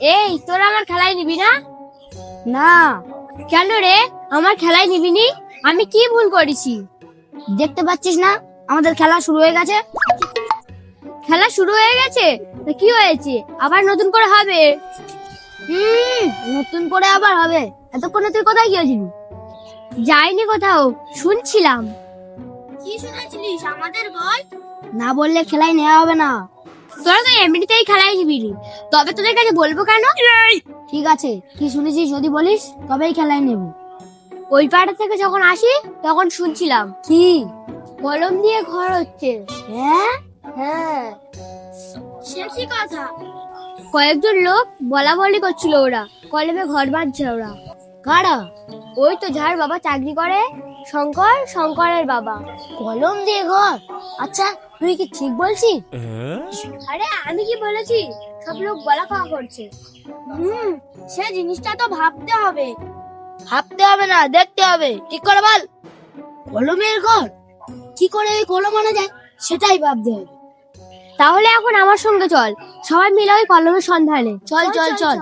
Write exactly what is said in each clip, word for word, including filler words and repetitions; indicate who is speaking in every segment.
Speaker 1: এই তোরা আমার খেলায় নিবি না?
Speaker 2: না।
Speaker 1: কেন রে, আমার খেলায় নিবি নি? আমি কি ভুল করেছি?
Speaker 2: দেখতে পাচ্ছিস না আমাদের খেলা শুরু হয়ে গেছে?
Speaker 1: খেলা শুরু হয়ে গেছে? তা কি হয়েছে, আবার নতুন করে হবে?
Speaker 2: হুম নতুন করে আবার হবে। এতক্ষণে তুই কোথায় গিয়েছিলি?
Speaker 1: যাইনি কোথাও, শুনছিলাম।
Speaker 2: কি শুনেছিলিস আমাদের বল। না বললে খেলায় নেওয়া হবে না।
Speaker 1: তোরা তো এমনিতেই খেলায় নিবি নি, তবে তোদের কাছে বলবো কেন?
Speaker 2: ঠিক আছে, কি শুনেছিস যদি বলিস তবেই খেলায় নেব।
Speaker 1: ওই পাড়া থেকে যখন আসি তখন শুনছিলাম
Speaker 2: কি?
Speaker 1: কলম দিয়ে ঘর হচ্ছে।
Speaker 2: হ্যাঁ?
Speaker 1: হ্যাঁ,
Speaker 2: সে কি কথা?
Speaker 1: কয়েকজন লোক বলা বলি করছিল, ওরা কলমে ঘর বাঁধছে। ওরা
Speaker 2: কারা?
Speaker 1: ওই তো যার বাবা চাকরি করে, শঙ্কর, শঙ্করের বাবা।
Speaker 2: কলম দিয়ে ঘর? আচ্ছা তুই কি ঠিক বলছিস?
Speaker 1: আরে আমি কি বলেছি, সব লোক বলা খাওয়া করছে।
Speaker 2: হুম সে জিনিসটা তো ভাবতে হবে। ভাবতে হবে না, দেখতে হবে। ঠিক করে বল। কলমের ঘর কি করে ওই কলম আনা যায় সেটাই ভাবতে হবে।
Speaker 1: তাহলে এখন আমার সঙ্গে চল, সবাই মিলে ওই কলমের সন্ধানে।
Speaker 2: চল চল চল।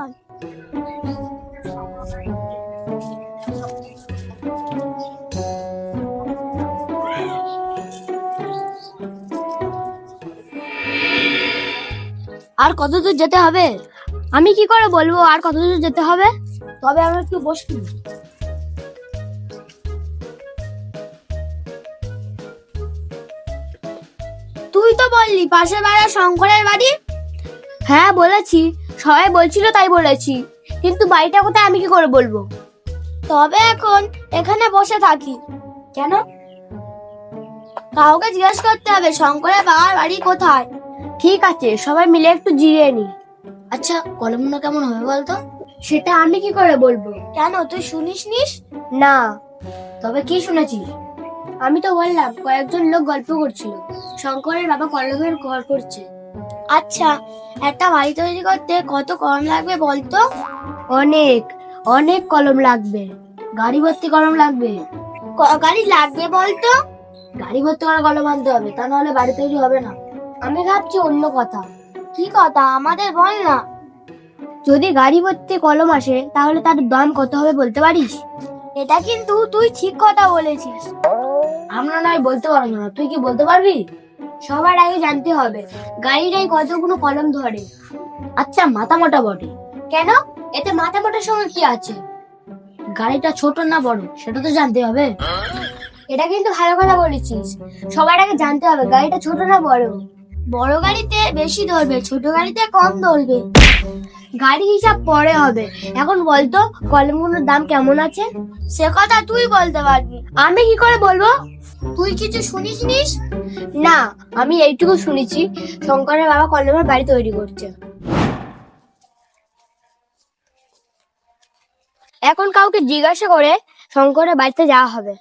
Speaker 2: আর কত দূর যেতে হবে?
Speaker 1: আমি কি করে বলবো আর কত দূর যেতে হবে?
Speaker 2: তবে আমরা একটু বসি। তুই তো বললি পাশের বাড়ির শঙ্করের বাড়ি।
Speaker 1: হ্যাঁ বলেছি, সবাই বলছিল তাই বলেছি, কিন্তু বাড়িটা কোথায় আমি কি করে বলবো?
Speaker 2: তবে এখন এখানে বসে থাকি কেন? কাউকে জিজ্ঞেস করতে হবে শঙ্করের বাবার বাড়ি কোথায়।
Speaker 1: ঠিক আছে, সবাই মিলে একটু জিরিয়ে নি।
Speaker 2: আচ্ছা কলমগুলো কেমন হবে বলতো?
Speaker 1: সেটা আমি কি করে বলবো?
Speaker 2: কেন তুই শুনিস নিস?
Speaker 1: না।
Speaker 2: তবে কি শুনেছিস?
Speaker 1: আমি তো বললাম কয়েকজন লোক গল্প করছিল, শঙ্করের বাবা কলমের ঘর করছে।
Speaker 2: আচ্ছা একটা বাড়ি তৈরি করতে কত কলম লাগবে বলতো?
Speaker 1: অনেক অনেক কলম লাগবে।
Speaker 2: গাড়ি ভর্তি কলম লাগবে। ক গাড়ি লাগবে বলতো? গাড়ি ভর্তি করে কলম আনতে হবে, তা নাহলে বাড়ি তৈরি হবে না।
Speaker 1: আমি ভাবছি অন্য কথা।
Speaker 2: কি কথা আমাদের বল না।
Speaker 1: যদি গাড়ি ভর্তি কলম আসে তাহলে তার দাম কত হবে বলতে পারিস?
Speaker 2: এটা কিন্তু তুই ঠিক কথা বলেছিস। আমরা নয় বলতে পারবো না, তুই কি বলতে পারবি?
Speaker 1: সবার আগে জানতে হবে গাড়িটাই কতগুলো কলম ধরে।
Speaker 2: আচ্ছা মাথা মোটা বটে।
Speaker 1: কেন, এতে মাথা মোটার সঙ্গে কি আছে?
Speaker 2: গাড়িটা ছোট না বড় সেটা তো জানতে হবে।
Speaker 1: এটা কিন্তু ভালো কথা বলেছিস, সবার আগে জানতে হবে গাড়িটা ছোট না বড়।
Speaker 2: বড় গাড়িতে বেশি ধরবে, ছোট গাড়িতে কম ধরবে।
Speaker 1: গাড়ি হিসাব পরে হবে, এখন বলতো কলমগুলোর দাম কেমন আছে?
Speaker 2: সে কথা তুই বলতে পারবি,
Speaker 1: আমি কি করে বলবো?
Speaker 2: তুই কিছু শুনিস নিস?
Speaker 1: না, আমি এইটুকু শুনেছি শঙ্করের বাবা কলমের বাড়ি তৈরি করছে। এখন কাউকে জিজ্ঞাসা করে শঙ্করের বাড়িতে যাওয়া হবে।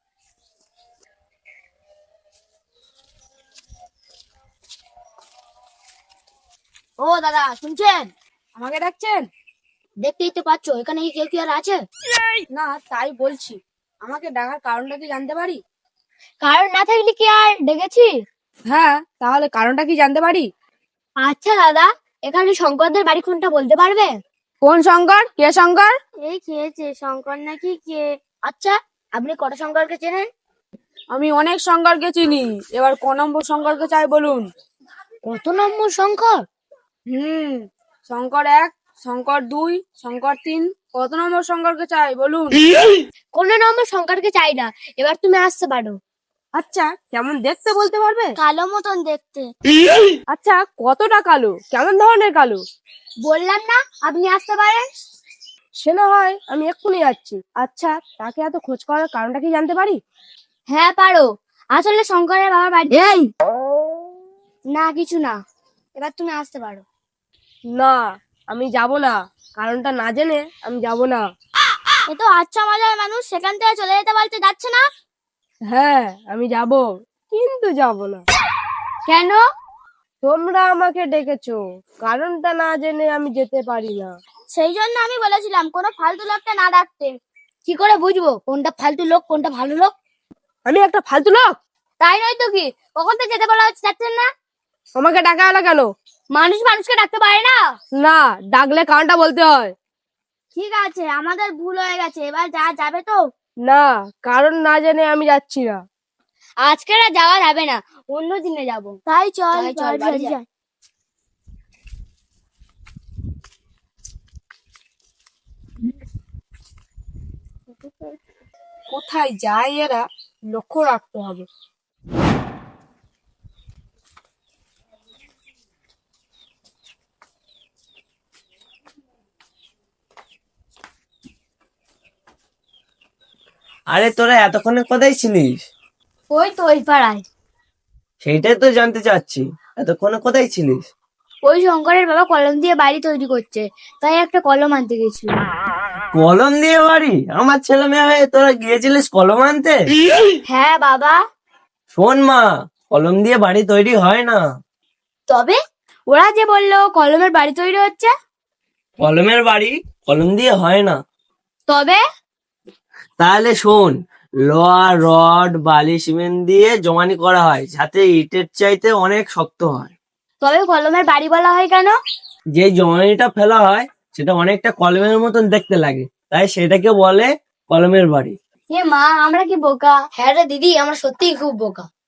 Speaker 2: ও দাদা শুনছেন?
Speaker 3: আমাকে ডাকছেন?
Speaker 2: দেখতেই তো পাচ্ছ এখানে কি কেউ কি আর আছে?
Speaker 3: না তাই বলছি, আমাকে ডাকার কারণটা কি জানতে পারি?
Speaker 1: কারণ না থাকলে কি আর ডেকেছি?
Speaker 3: হ্যাঁ, তাহলে কারণটা কি জানতে পারি?
Speaker 1: আচ্ছা দাদা, এখানে শঙ্করদের বাড়ি কোনটা বলতে পারবে?
Speaker 3: কোন শঙ্কর? কে শঙ্কর?
Speaker 2: এই খেয়েছে শঙ্কর নাকি কে? আচ্ছা আপনি কটা শঙ্করকে চেনেন?
Speaker 3: আমি অনেক শঙ্করকে চিনি, এবার কোন নম্বর শঙ্করকে চাই বলুন।
Speaker 2: কত নম্বর শঙ্কর?
Speaker 3: হুম শঙ্কর এক, শঙ্কর দুই, শঙ্কর তিন, কত নম্বর শঙ্করকে চাই বলুন।
Speaker 1: কোন নম্বর শঙ্করকে চাই না, এবার তুমি আসতে পারো।
Speaker 3: আচ্ছা কেমন দেখতে বলতে পারবে?
Speaker 2: কালো মতন দেখতে।
Speaker 3: আচ্ছা কতটা কালো, কেমন ধরনের কালো?
Speaker 1: বললাম না আপনি আসতে পারেন।
Speaker 3: সে না হয় আমি এক্ষুনি যাচ্ছি। আচ্ছা তাকে এত খোঁজ করার কারণটা কি জানতে পারি?
Speaker 1: হ্যাঁ পারো, আসলে শঙ্করের বাবার বাড়ি।
Speaker 2: এই
Speaker 1: না কিছু না, এবার তুমি আসতে পারো।
Speaker 3: না আমি যাব না, কারণটা না জেনে আমি যাব না।
Speaker 2: এ তো আচ্ছা মজার মানুষ, সেখান থেকে চলে যেতে বলতে যাচ্ছে না।
Speaker 3: হ্যাঁ আমি যাব, কিন্তু যাব না।
Speaker 1: কেন?
Speaker 2: তোমরা আমাকে ডেকেছো, কারণটা না জেনে আমি যেতে পারি না।
Speaker 1: সেই জন্য আমি বলেছিলাম কোনো ফালতু লোককে না ডাকতে। কি করে বুঝবো কোনটা ফালতু লোক কোনটা ভালো লোক?
Speaker 3: আমি একটা ফালতু লোক?
Speaker 1: তাই নয় তো কি, কখন তো যেতে বলা হচ্ছে যাচ্ছেন না?
Speaker 3: আমাকে ডাকা হলো কেন?
Speaker 1: মানুষ মানুষকে ডাকতে পারে না।
Speaker 3: না, ডাকলে কারণটা বলতে হয়।
Speaker 1: ঠিক আছে, আমাদের ভুল হয়ে গেছে, এবার যা যাবে তো।
Speaker 3: না, কারণ না জেনে আমি যাচ্ছি না।
Speaker 1: আজকে আর যাওয়া যাবে না, অন্য দিনে যাব। তাই চল
Speaker 2: তাই চল,
Speaker 1: বাড়ি
Speaker 2: বাড়ি
Speaker 1: যাই।
Speaker 2: যাই।
Speaker 3: কোথায় যায় এরা, লক্ষ্য রাখতে হবে।
Speaker 4: আরে তোরা এতক্ষণে কোথায় ছিলিস?
Speaker 1: ওই তো ওই পাড়ায়।
Speaker 4: সেইটাই তো জানতে চাচ্ছি, এতক্ষণে কোথায় ছিলিস?
Speaker 1: ওই শঙ্করের বাবা কলম দিয়ে বাড়ি তৈরি করছে, তাই একটা কলম আনতে গেছিল।
Speaker 4: কলম দিয়ে বাড়ি? আমার ছেলে মেয়ে হয়ে তোরা গিয়েছিলিস কলম আনতে?
Speaker 1: হ্যাঁ বাবা।
Speaker 4: শোন মা, কলম দিয়ে বাড়ি তৈরি হয় না।
Speaker 1: তবে ওরা যে বললো কলমের বাড়ি তৈরি হচ্ছে।
Speaker 4: কলমের বাড়ি কলম দিয়ে হয় না।
Speaker 1: তবে
Speaker 4: তাহলে শোন, লোহা রড বালি সিমেন্ট দিয়ে জমানি করা হয়, যাতে ইটের চাইতে অনেক শক্ত হয়।
Speaker 1: তবে কলমের বাড়ি বলা হয় কেন?
Speaker 4: যে জমানিটা ফেলা হয় সেটা অনেকটা কলমের মতন দেখতে লাগে, তাই সেটাকে বলে কলমের বাড়ি।
Speaker 1: এ মা, আমরা কি বোকা? হ্যাঁ রে দিদি, আমরা সত্যিই খুব বোকা।